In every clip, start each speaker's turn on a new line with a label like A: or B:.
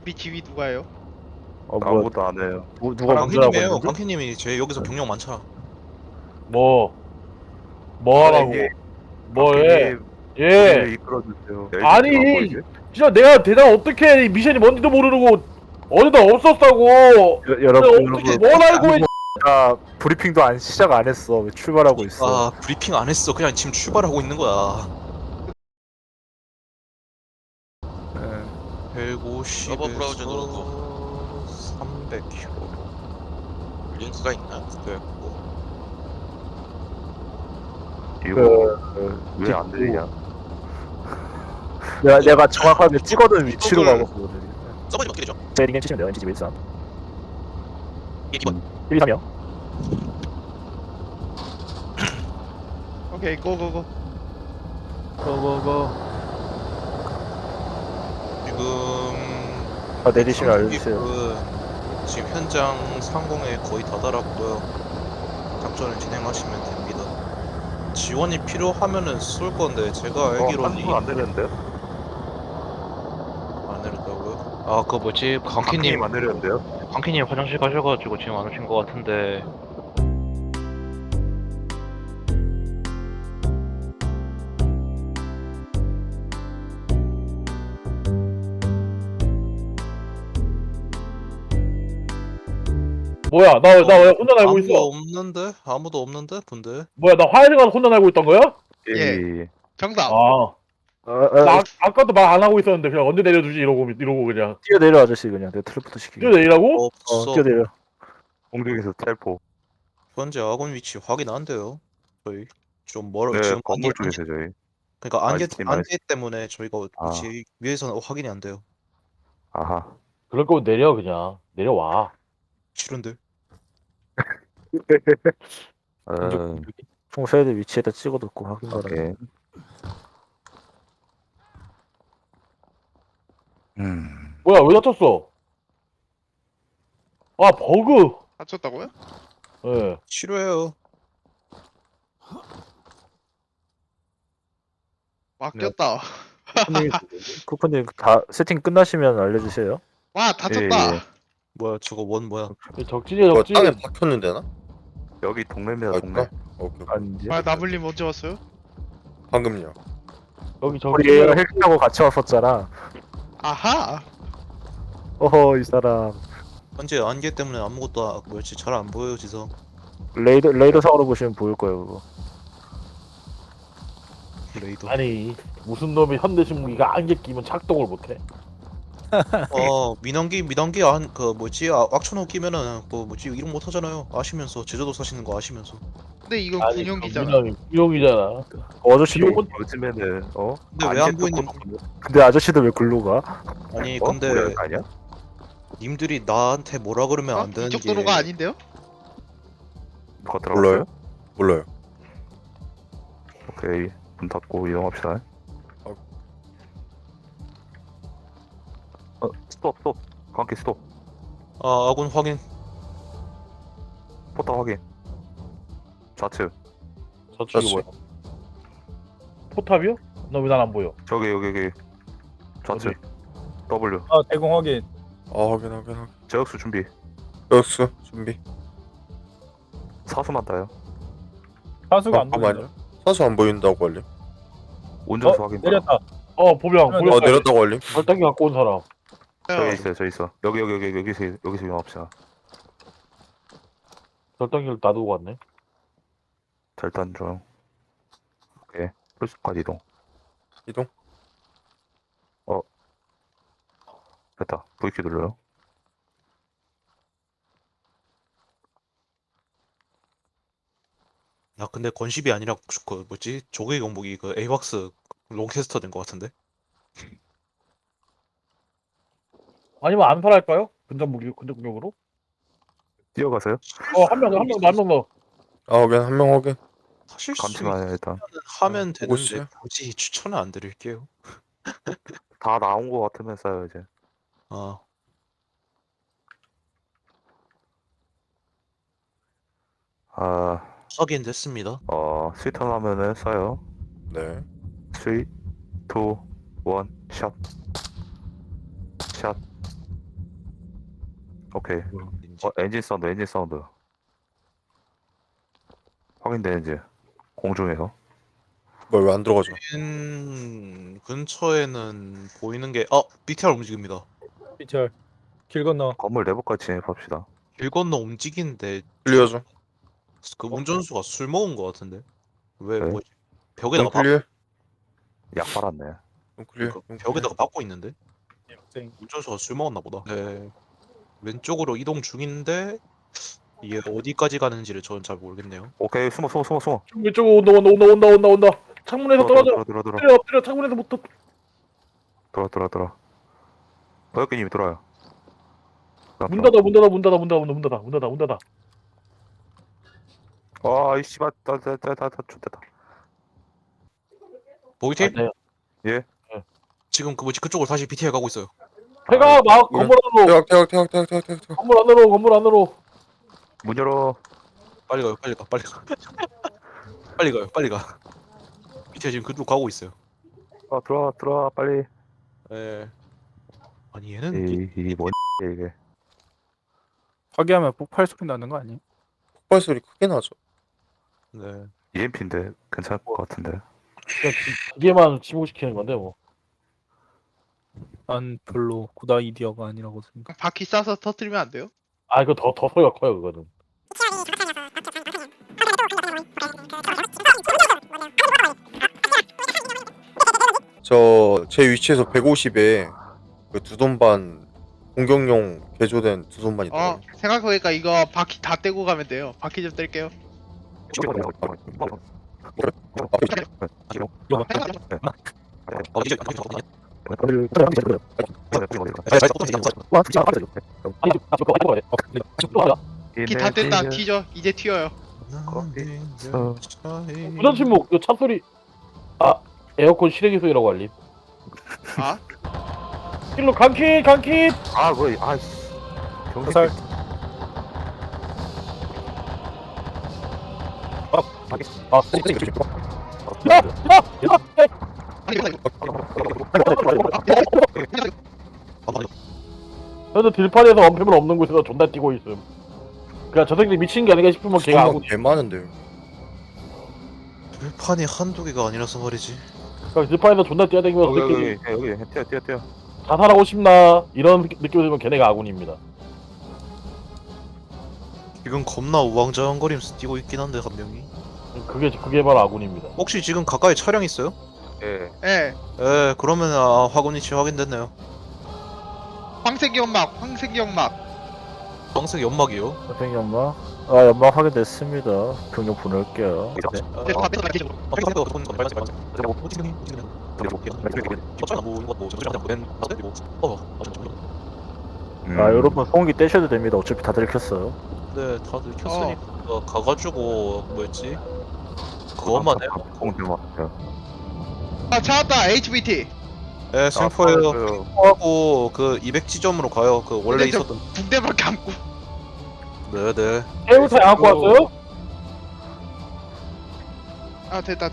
A: 지휘 누가요?
B: 뭐야?
C: 아무것도 안 해요.
B: 누가 운전하고
D: 광키님이에요.
B: 있는데?
D: 광키님이 제 여기서 경력 많잖아.
B: 뭐
C: 아,
B: 하라고?
C: 이게
B: 뭐해?
C: 광키님
B: 예.
C: 우리를 이끌어주세요.
B: 아니,
C: LGT 안 보이지?
B: 진짜 내가 대답 어떻게 해? 이 미션이 뭔지도 모르고 어디다 없었다고.
C: 여러분,
B: 어떻게 뭘 알고 해?
C: 브리핑도 시작 안 했어. 왜 출발하고 있어?
D: 아 브리핑 안 했어. 그냥 지금 출발하고 있는 거야.
C: 네.
D: 150에서
E: 서버 브라우저 누르고.
D: 300km
E: 링크가 있나?
D: 됐고.
C: 이거 왜 안 들리냐?
B: 내가 정확하게 찍어둔 위치로 가고 있거든.
E: 서버 이름 어떻게 되죠?
B: 제 닉네임 치시면 돼요. NGG 113
E: 이게 기본.
B: 123이요.
A: 오케이 고고고.
B: 고고고.
D: 지금
B: 내리시면 알려주세요.
D: 지금 현장 상공에 거의 다다랐고요. 작전을 진행하시면 됩니다. 지원이 필요하면은 쏠 건데 제가 알기로는
C: 한숨 안 되는데요?
D: 안 내렸다고요?
F: 아, 그 뭐지? 광키님,
C: 안 되는데요?
F: 광키님 화장실 가셔가지고 지금 안 오신 것 같은데.
B: 뭐야? 나 왜 혼자 날고 있어?
D: 아무도 없는데 분들.
B: 뭐야? 나 화장실 가서 혼자 날고 있던 거야?
A: 예. 정답.
B: 아까도 말 안 하고 있었는데 그냥 언제 내려주지 이러고 그냥
C: 뛰어내려 아저씨 그냥 내가 텔레포트 시키게.
B: 뛰어내리라고?
D: 없어.
C: 뛰어내려. 공중에서 텔포.
D: 현재 아군 위치 확인 안 돼요. 저희 좀 멀어.
C: 네,
D: 지금
C: 건물
D: 안개,
C: 쪽에서 저희.
D: 그러니까 안개
C: 말씀,
D: 안개 때문에 저희가
C: 아.
D: 위치 위에서는 확인이 안 돼요.
C: 아하.
B: 그럴 거면 내려 그냥 내려와.
D: 싫은데.
C: 총소해드 위치에다 찍어뒀고 확인 바라. 오케이.
B: 뭐야 왜 다쳤어? 아 버그.
A: 다쳤다고요?
B: 예.
D: 싫어요.
A: 맡겼다.
C: 쿠퍼님 다 세팅 끝나시면 알려주세요.
A: 와 다쳤다.
C: 예.
D: 뭐야 저거 원 뭐야?
B: 적진이야 적진.
E: 땅에 박혔는데 나?
C: 여기 동네입니다
E: 아,
C: 동네.
E: 오케이.
C: 아닌지.
A: 아 나블님 언제 왔어요?
E: 방금요.
B: 여기
C: 우리 얘가
B: 적진이야.
C: 헬기 타고 같이 왔었잖아.
A: 아하.
C: 어허 이 사람.
D: 현재 안개 때문에 아무것도 뭐였지 잘 안 보여요 지성.
C: 레이더 상으로 보시면 보일 거예요 그거.
D: 레이더.
B: 아니 무슨 놈이 현대식 무기가 안개 끼면 작동을 못해?
D: 민항기 안 그 뭐지 악천후 끼면은 그 뭐지 이름 못 하잖아요. 아시면서 제주도 사시는 거 아시면서.
A: 근데 이건
B: 아니
A: 군용기잖아.
B: 군용이잖아.
C: 아저씨도
B: 비용은-
C: 요즘에는
D: 근데 왜 안 보이는?
C: 근데 아저씨도 왜 글로 가?
D: 아니
C: 우리
D: 근데
C: 아니야?
D: 님들이 나한테 뭐라 그러면 안 되는
A: 이쪽
D: 게
A: 도로가 아닌데요?
C: 누가 들어갔어요?
E: 몰라요.
C: 오케이 문 닫고 이동합시다. 스톱 관계 스톱.
D: 아 아군 확인.
C: 포탑 확인. 좌측.
B: 저쪽이 뭐야? 포탑이요? 너 왜 난 안 보여?
C: 저기 여기 좌측. W.
G: 아 대공 확인.
E: 확인.
C: 제역수 준비.
E: 역수 준비.
C: 사수만 따요.
G: 사수가 안 보인다.
E: 잠깐만요. 사수 안 보인다고 알림.
C: 운전수 확인.
G: 내렸다.
B: 보병
E: 내렸다고 알림.
B: 절단기 갖고 온 사람.
C: 저기 있어. 여기서 이용합시다.
B: 절단기를 놔두고 왔네.
C: 절단 중. 오케이. 풀스쿼드 이동. 됐다. V키 눌러요.
D: 야 근데 건십이 아니라 그 뭐지 조개 경복이 그 에이박스 롱캐스터 된 것 같은데.
B: 아니면 암살할까요? 근접무기로?
C: 뛰어가세요.
B: 한 명 더.
E: 확인. 한 명 확인.
D: 사실
C: 감시만 일단.
D: 하면
E: 보고
D: 되는데
E: 있어요.
D: 굳이 추천은 안 드릴게요.
C: 다 나온 거 같으면 써요 이제.
D: 아 확인됐습니다.
C: 스위턴 하면은 써요.
E: 네.
C: 3, 2, 1, 샷. 샷.
H: 오케이.
D: 인지.
H: 엔진 사운드. 확인되는지 공중에서.
E: 뭘 왜 안 들어가죠?
D: 근처에는 보이는 게 BTR 움직입니다.
G: 피철 길 건너.
H: 건물 내부까지 진입합시다.
D: 길 건너 움직이는데
E: 클리어죠?
D: 그 운전수가 술 먹은 것 같은데 왜
H: 네?
D: 뭐지? 벽에다가
E: 좀 클리어?
H: 약 빨았네.
E: 좀 클리어?
D: 벽에다가 박고 있는데
G: 학생.
D: 운전수가 술 먹었나 보다. 네. 왼쪽으로 이동 중인데 이게 어디까지 가는지를 저는 잘 모르겠네요.
H: 오케이, 숨어.
B: 왼쪽으로 온다. 창문에서 떨어져. 엎드려. 창문에서 못 떨어.
H: 들어. 버역기님이 들어와요.
B: 문 닫아.
H: 아, 이 씨발, 좋됐다.
D: 보이팀?
B: 네.
H: 예.
D: 지금 그 뭐지 그쪽으로 다시 BTR 가고 있어요.
B: 해가 막 건물 안으로.
E: 태각.
B: 건물 안으로.
H: 문 열어.
D: 빨리 가요. 빨리 가. BTR 지금 그쪽 가고 있어요.
H: 들어와, 빨리.
D: 예. 아니 얘는
H: 이뭔 이게.
C: 파괴하면 폭발 소리 나는 거 아니에요?
E: 폭발 소리 크게 나죠.
D: 네.
H: EMP인데 괜찮을 것 같은데.
B: 그냥 기계만 침묵시키는 건데 뭐.
C: 난 별로 구다 이디어가 아니라고 생각.
A: 바퀴 쏴서 터뜨리면 안 돼요?
B: 아 이거 더 소리가 커요 그거는.
E: 제 위치에서 150에 그 두손반 공격용 개조된 두손반 있더라고요.
A: 생각해보니까 이거 바퀴 다 떼고 가면 돼요. 바퀴 좀 뗄게요. 바퀴 다 뗐다. 튀죠. 이제 튀어요.
B: 부전 침묵. 이거 차 소리. 아 에어컨 실외기 소리라고 알림.
A: 아?
B: 일로 강킷.
H: 아, 뭐야, 아이씨.
G: 화살.
B: 저도 들판에서 원패물 없는 곳에서 존나 뛰고 있음. 그냥 저 새끼 미친 게 아닌가 싶으면 걔가
E: 두손반
B: 아군.
E: 개 많은데요.
D: 불판이 한두 개가 아니라서 말이지.
B: 그냥 들판에서 존나 뛰어다니면서 저 새끼
H: 여기, 뛰어.
B: 자살하고 싶나 이런 느낌이 들면 걔네가 아군입니다.
D: 지금 겁나 우왕좌왕거리면서 뛰고 있긴 한데 한 명이.
B: 그게 바로 아군입니다.
D: 혹시 지금 가까이 차량 있어요?
H: 예.
A: 예.
D: 예, 그러면 화군 위치 확인됐네요.
A: 황색 연막.
D: 황색 연막이요.
I: 선생님 연막? 아 연막 확인됐습니다. 병력 보낼게요. 네.
A: 네, 다 뺐다. 기적으로.
I: 아 여러분 소음기 떼셔도 됩니다. 어차피 다 들켰어요.
D: 네, 다들 켰으니까 가가지고 뭐였지? 그것만 해요.
A: 아, 찾았다. HVT.
D: 네, 샘퍼예요. 하고 그 200지점으로 가요. 그 원래
A: 근데 저-
D: 있었던.
A: 붕대만 감고.
D: 네네.
B: 해우사 안 갖고 왔어요?
A: 아, 됐다.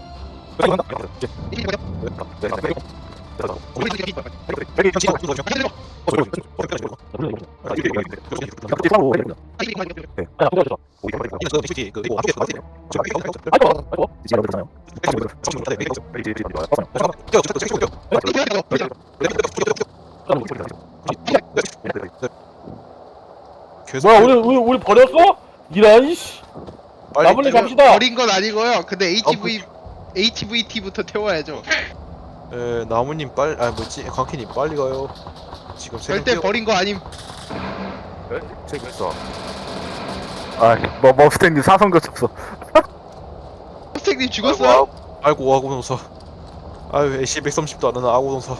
B: 뭐야 우리 버렸어? 이런 씨. 나물리 갑시다.
A: 버린 건 아니고요. 근데 HVT부터 태워야죠.
D: 예, 나무님 빨리 뭐지? 강키님 빨리 가요. 지금
A: 절대 버린 거 아님.
H: 저기 있어.
I: 아뭐 머스탱님 사선 거쳤어.
A: 선생님 죽었어요?
D: 아이고 아고동사. 아유 AC 130도 안 하는 아고동사.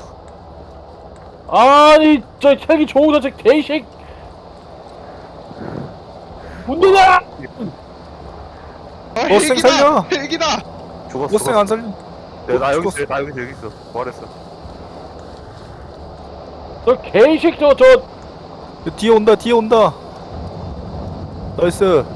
B: 아니 저 혈기 좋은 저 개식. 문제냐?
C: 버스 살려!
A: 헬기다.
H: 죽었어.
C: 버스 안 살려.
H: 나 여기 있어. 부활했어.
B: 저 개식 저
C: 뒤에 온다. 나이스.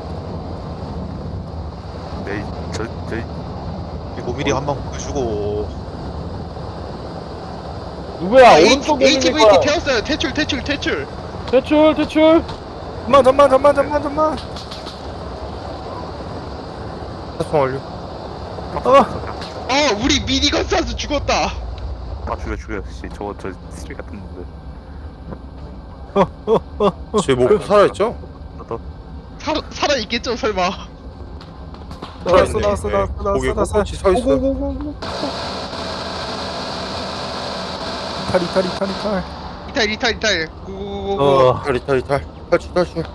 D: 이거 미리 한방 보여주고.
B: 누구야? 오른쪽
A: HVT
B: 거야.
A: 태웠어요. 퇴출.
B: 대출
C: 잠만.
E: 사송 완료.
A: 우리 미니건 쏴서 죽었다.
H: 아 죽여 씨 저 쓰레기 같은 놈들.
E: 제 목표 살아있죠?
A: 살아있겠죠 설마.
C: 나왔어.
E: 거기 꼿꼿이 서 있어.
C: 오고고고고. 탈.
A: 이탈 고고고고.
E: 이탈. 탈출.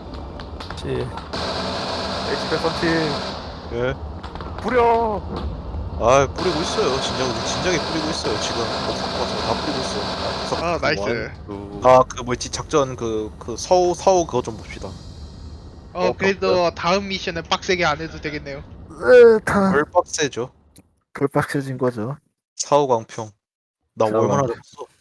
H: HP 선팅.
D: 예.
H: 뿌려.
D: 아 뿌리고 있어요. 진작에 뿌리고 있어요. 지금 뭐 갖고 와서 다 뿌리고 있어.
A: 아 나이스.
D: 아그 뭐지 작전 그 서우 그거 좀 봅시다.
A: 그래도 다음 미션은 빡세게 안 해도 되겠네요.
D: 뭘 빡세죠?
I: 불빡쳐진 거죠.
D: 사우 광평. 나
I: 사우
D: 얼마나
I: 광평.
D: 잡았어?